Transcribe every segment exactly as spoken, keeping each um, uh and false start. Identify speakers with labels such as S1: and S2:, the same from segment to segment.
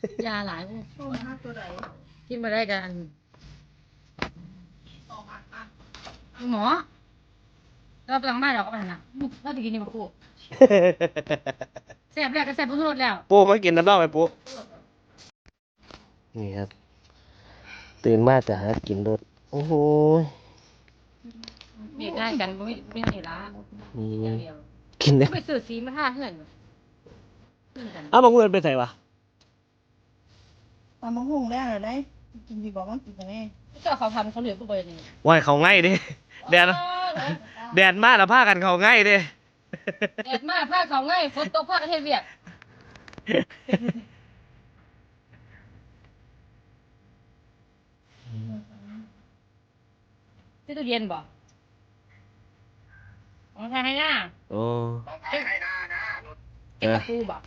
S1: ยาหลาย
S2: ต้มฮักตัวใด
S1: กินมาได้กันหมอเราไปหลังบ้านเราก็ไปนะเราจะกินนี่มาปูแซ่บแล้วก็แซ่บพุ่งรสแล้ว
S3: ปูมากินน้ำร่องไหมปูนี่ครับตื่นมาจะหากินรถโอ้โห
S1: เบียดได้กันไม่ไม่เห็นละ
S3: นี่กินได้
S1: ไปซื้อสีมาท่าเพื่อน
S3: อ้าวบางเงินไปใส่วะ
S2: ตามมะฮุ่งแล้วเหรอได้กินดีกว่ามันกินกันแน่
S1: ก็เขาทำเขาเหลือกูไปนี่
S3: ว่ายเขาง่ายดิแดดแดดมากแล้วผ้ากันเขาง่ายดิ
S1: แดดมากผ้าเขาง่ายฝนตกผ้าประเทศเวียดที่ตู้เย็นบ่อ๋อทายให้หน้า
S3: โอ้
S1: เก็บตะปูบ่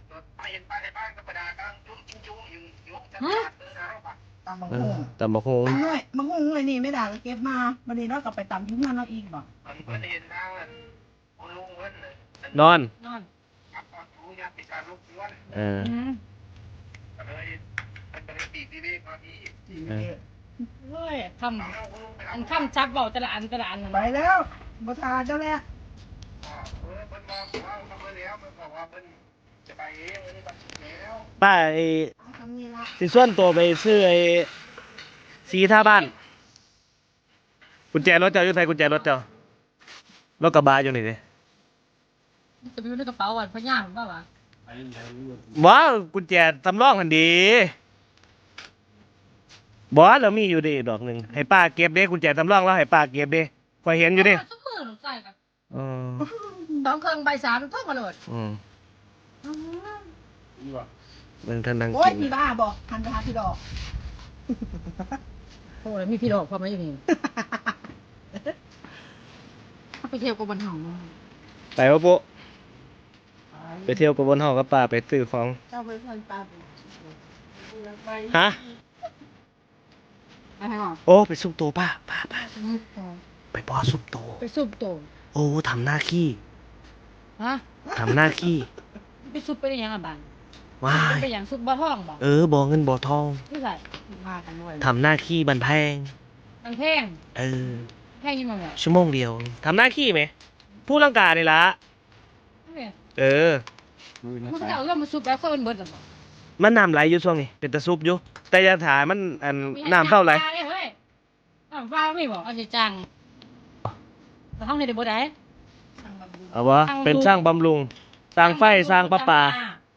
S1: ฮะ
S2: ตามมะ
S3: เอ
S2: ฮุ่
S3: อง ตำบักฮง
S2: น้อยมะฮุ่งเลยนี่ไม่ด่าก็เก็บมาวันนี้เรากลับไปตำที่งานเราอีกบ่
S3: นอน
S1: นอน
S3: เออ
S1: อืม
S3: เออ
S1: เฮ้ยคำอันคำชักเบาแต่ละอันแต่ละอันนั่น
S2: ไปแล้วบ่ทาเจ้าแล้ว
S3: ป้าไอ้
S2: ทำนี่ละ
S3: สิส่วนตัวไปซื้อไอ้สีท่าบ้านกุญแจรถเจ้าอยู่ไทยกุญแจรถเจ้ารถกระบะอยู่นี่ดิ
S1: จะไปอยู่ในกระเป๋าวันพะย่างบ้าวะ
S3: ว้าวกุญแจสำรองหันดีบอสเรามีอยู่ดิดอกหนึ่งให้ป้าเก็บเด้กุญแจสำรองแล้วให้ป้าเก็บเด้คอยเห็นอยู่ดิ
S1: ซุปเปอร์หนูใส่กัน
S3: อืม
S1: สองเครื่องใบสามท่องมาโหลด
S3: อืมเบิ่งท่านนั่ง
S2: โอ้ย
S3: กิน
S2: พี่บ้าบ่ทันไปหาพี่ดอก
S1: โอ้ยมีพี่ดอกพอไหมอยู่นี่ถ้าไปเที่ยวกับบันหอง
S3: ไปวะปุ๊ไปเที่ยวกับบนหอกับป้าไปซื้อของ
S2: เจ้าไปพันปลาไป
S3: ฮะ
S1: ไปให้ก่อน
S3: โอ้ไปซุปโตป้าป้าป้าไปบอซุปโต
S1: ไปซุปโต
S3: โอ้ทำหน้าขี้
S1: ฮะ
S3: ทำหน้าขี้
S1: ไปซุปไปได้ยังอ่ะบ้าน
S3: ว้าย
S1: ไปอย่างซุปบ่อทองบ่
S3: เออบ่เงินบ่ทอง
S1: ที่ใส่มากันด้วย
S3: ทำหน้าขี้บันแพง
S1: มันแพง
S3: เออ
S1: แพงยังไงอ่ะ
S3: ชั่วโมงเดียวทำหน้าขี้ไหมผู้ร่างกายนี่ละเออ
S1: มันก็จะเอาเรื่องมาซุปแล้วก็เป็นเบิร์ดหรอ
S3: มันน้ำไหลอยู่ช่วงนี้เป็นตะซุปอยู่ แต่อยาถ่ายมันอันน้ำเท่าไหร่
S1: เฮ้ยน้ำฟ้าไม่บอกเอาใจจังแต่ห้องในเด็กบ่ได้
S3: เอาวะเป็นสร้างบำรุง สร้างไฟสร้างประปา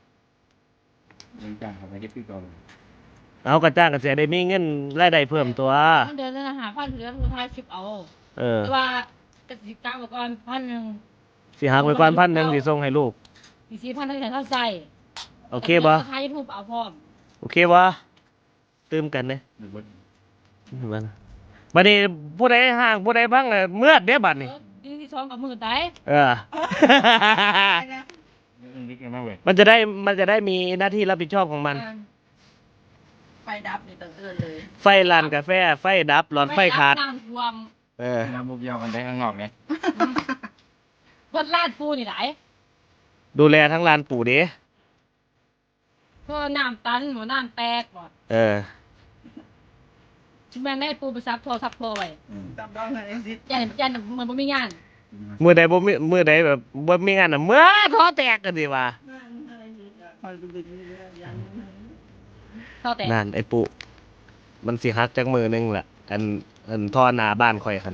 S4: จ้างเขาไปเก็บพี่ก่อน
S3: เอากระจ้างกระเสียได้มีเงินรายได้เพิ่มตัว
S1: เดือนละหาพันเดือนละห้าสิบเอา
S3: เออ
S1: แต่ว่ากสิกรรมก่อนพันหนึ่ง
S3: สิหักไปก่อนพันหนึ่งสิส่งให้ลูก
S1: สี่สี่พันเท่าไหร่เท่าใจ
S3: โอเคบ่
S1: ท้ายยูทูบเอาพร้อม
S3: โอเคบ่ตื่มกันเนี่ย
S4: หรือว่า
S3: บัดนี้บัดนี้ผู้ใดห่างผู้ใดพังน่ะเมื่อดเด้บัดนี้
S1: ดีที่สองกับมือตาย
S3: เออ
S4: เรื่องนี้กันมากเว้ย
S3: มันจะได้มันจะได้มีหน้าที่รับผิดชอบของมัน
S2: ไฟดับนี่ตั้งเอินเลย
S3: ไฟลานกาแฟ ไฟดับ หลอดไฟขาด
S1: น้ำท่วม
S3: เออ
S4: น้ำบุบยาวกันได้ข้างนอกเนี่ย
S1: เพิ่นลาดปูนี่ไหล
S3: ดูแลทั้งลานปู่เด้
S1: เพื่อน้ำตันหมูน้ำแตกบ่
S3: เออ
S1: ชิแม่นได้ปูไปซับโทรซับโทรไว้
S2: ตามดองกันเองสิ
S1: ยันยันมันบ่มีงาน
S3: มือใดบ่มีมือใดแบบบ่มีงานน่ะเมื่อท้อแตกกันดีว่า
S2: คอยดูดีๆอย่าง
S1: เท่าแต่
S3: นั่นไอ้ปู่มันสิฮักจักมือหนึงล่ะ อันอันท่อหน้าบ้านข่อยคั่น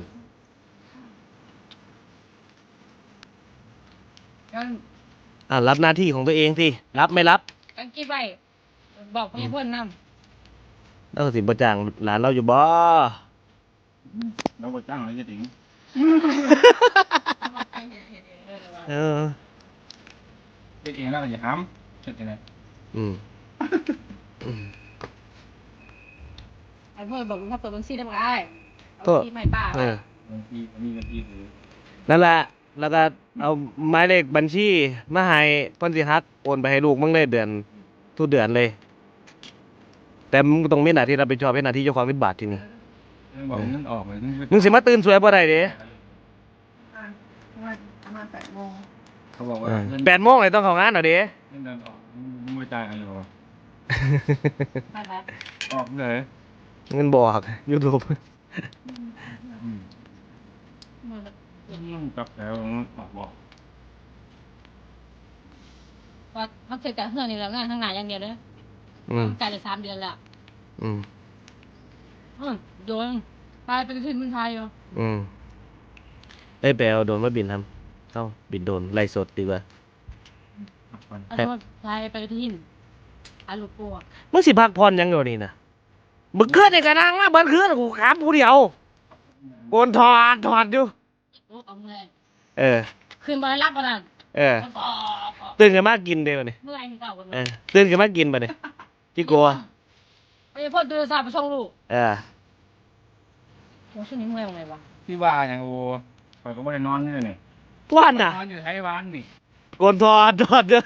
S1: กัน
S3: อ่ะรับหน้าที่ของตัวเองสิรับไม่รับ
S1: กันคิดไว้บอกพี่เพิ่นนำ
S3: เราสิบ่จ้างหลานเราอยู่บ่
S4: เราไปจ้างอะไรจะถึง
S3: เออ
S4: เป็นเองแล้วก็อย่าห้ามเสร็จยังไง
S3: อืมอืม
S1: ไอ้เพิ่นบอกถ้าเปิดบัญชีได้บ่ได้เอา
S3: ก็
S1: ที่ใหม่ป้า
S3: เออ
S4: บางทีมีบางทีคือ
S3: นั่นแหละ แล้วก็เอาหมายเลขบัญชีมาให้เพิ่นสิฮักโอนไปให้ลูกมึงเลยเดือนทุกเดือนเลย แต่มึงต้องมีหน้าที่รับผิดชอบเป็นหน้าที่เจ้าของเป็นบาทที่นี่
S4: บอกเงินออกเลย
S3: มึงสิมาตื่นสวยบ่ได้เด้
S2: ประมาณประมาณแปดโมง
S4: เขาบอกว่าเงิน
S3: แปดโมงเลยต้องเข้างานเหรอเด้
S4: เงินเดือนออกมึงไม่จ่ายอะไรหรอ
S1: ไปไป
S4: ออกเลย
S3: เงินบอก YouTube
S4: อืมอืมกับแล้วออกบอก
S1: ว่าเขาเสร็จจากเฮือนนี่แล้วงานข้างหน้าอย่างเดียวเลย
S3: อืม
S1: จ่ายได้สามเดือนแล้ว
S3: อืม
S1: อืมโดนไปไปขึ้นเมืองไทยอยู่
S3: อืมเอ้ยไปเอาโดรนมาบินทำเข้าบินโดรนไล่สดดีกว่า
S4: พักผ่อน
S1: เอาโทษไทยไปที่หินอาลูกปัว
S3: มึงสิพักผ่อนหยังอยู่นี่นะมึงขึ้นในกระนังมาเบิดขึ้นกูขามผู้เดียวโกนถอดถอดอยู่
S1: โอ้เอาเมื่อย
S3: เออ
S1: ขึ้นมารับประทาน
S3: เออ
S1: ก็
S3: ตื่นกันมากินเดี๋ยวนี้
S1: เมื่อยเก่ากัน
S3: เออตื่นกันมากินไปเนี่ยที่กลัว
S1: ไปพ่อดูสาไปส่งลูก
S3: เออ
S1: โอ้ช่วงนี้เมื่อยยังไงวะ
S4: พี่ว่าอย่างโอ้ข่อยก็ไม่ได้นอนเลยนี่
S3: ว่านน่ะ
S4: นอนอยู่ไทยวันนี่
S3: โกนถอดถอดเด้อ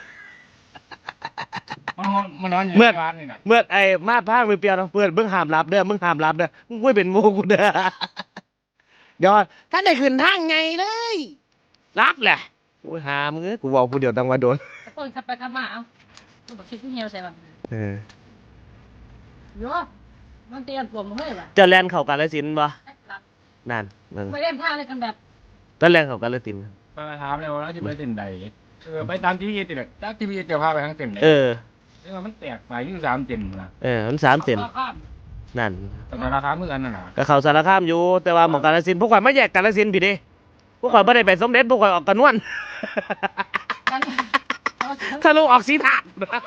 S4: มันนอนมันนอนอยู่
S3: เมื่
S4: ไท
S3: อ
S4: ยวันนี่นะ
S3: เมื่อไอ้มาดพางมือเปรียวเนาะเพื่อนมึงห้ามรับเด้อมึงห้ามรับเด้อมึงไม่เป็นหมูกูเด้อเดี๋ยวถ้าได้ขึ้นทางไงเลย รับแหละโอ้ยหามึงเอ้ยกูบอกผู้เดียวตั้งว่าโดน
S1: ตะโกนขับไปขับมาเอ้าลูกบอกคิดที่เฮียวใส่แบบ
S3: เออ
S1: เยอะมันเตียนปวดมึงเลยว่ะ
S3: เจะแลนเข้ากาฬสินธุ์บ่
S1: รับ
S3: นั่นมึง
S1: ไม่เล่นท่าเลยกันแบบ
S3: ตอนแลนเข้ากาฬสินธุ์
S4: ไปถามเลยว่าจะไปเต้นใดเออไปตามที่พี่ติดตามที่พี่จะพาไปทั้งเต้นเลย
S3: เออ
S4: เออมันแตกไปยี่สามเต้นนะ
S3: เออมันสามเซน
S1: ข้าม
S3: นั่น
S4: แต่ราคาเมื่อกันน่ะนะ
S3: ก็เข้าสารคามอยู่ แต่ว่าหมองกาฬสินธุ์พวกข่อยไม่แยกกาฬสินธุ์พี่เด้พวกข่อยไม่ได้ไปสมเด็จพวกข่อยออกกระนวน
S1: กันเอา
S3: ทะลุออกสีถาด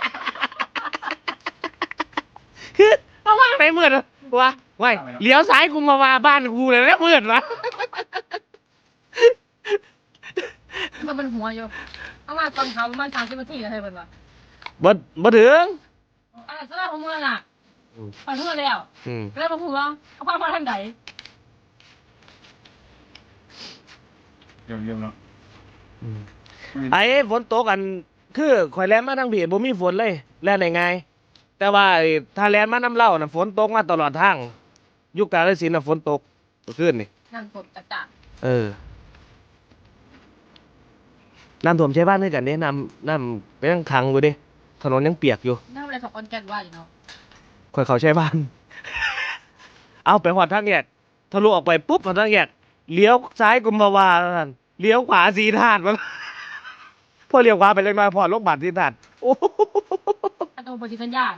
S3: คือเอาว่างไหนมืดวะวะไว้เลี้ยวซ้ายกูมาว่าบ้านกูเลยแล้วมืดวะ
S1: มันเป็นหัวอยู่เอามาตอนเขาประมาณสามสิบนาทีอะไรแบบว่า
S3: บ่บ่ถึง
S1: อะไรสำหรับผมเมื่อน่ะ
S3: อืม
S1: ไปเมื่อแล้ว
S3: อืม
S1: แล้วมาพูดว่าเอาความมาทางไหน
S4: เยี่ยมเยี่ยมเนาะ
S3: อืมไอ้ฝนตกกัน คือข่อยแล่นมาทางพี่บ่มีฝนเลยแล่นได้ง่ายแต่ว่าไอ้ถ้าแล่นมาน้ำเล่าน่ะฝนตกมาตลอดทางอยุคกาฬสินธุ์น่ะฝนตกเมื่อคืนนี่
S1: นั่งกดจัดจ่า
S3: เออ น้ำท่วมใช้บ้านด้วยกันเนี่ยน้ำน้ำเป็นยังขังอยู่ดิถนนยังเปียกอยู่
S1: หน้าเวลาสองคนแกนว่าอยู่เนาะ
S3: ค่อยเขาใช้บ้าน เอาไปหอดทางแยกทะลุออกไปปุ๊บหอดทางแยกเลี้ยวซ้ายกุมภาวาท่านเลี้ยวขวาสีธาตุมัน พอเลี้ยวขวาไปเล็กน้อยพอลงบาทสีธาตุโอ้โห
S1: ถ้าตัวปฏิสัญญา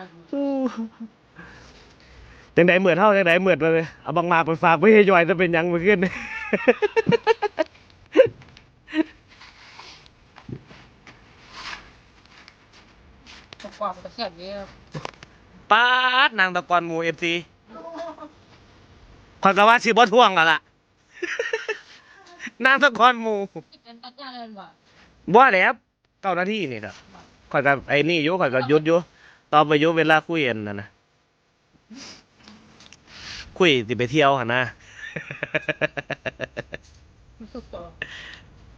S3: จังไดเหมือนเท่าจังไดเหมือนมาเลยเอาบางมากไปฝากไว้ให้ย่อยจะเป็นหยังมาขึ้น
S1: ตกกว่ามันก็เสียบเยอะ
S3: ป๊าดนางตะกอนหมูเอฟซีคอยกะว่าสิบ่ท่วงกันล่ะ นางตะกอนหมู
S1: เป็นตัดยาเลยว่ะ
S3: บ่แล้วเก้านาทีนี่ครับคอยกับไอ้นี่อยู่คอยกับยุดอยู่ตอนไปอยู่เวลาคุยกันนะนะคุยสิไปเที่ยวหั่นนะ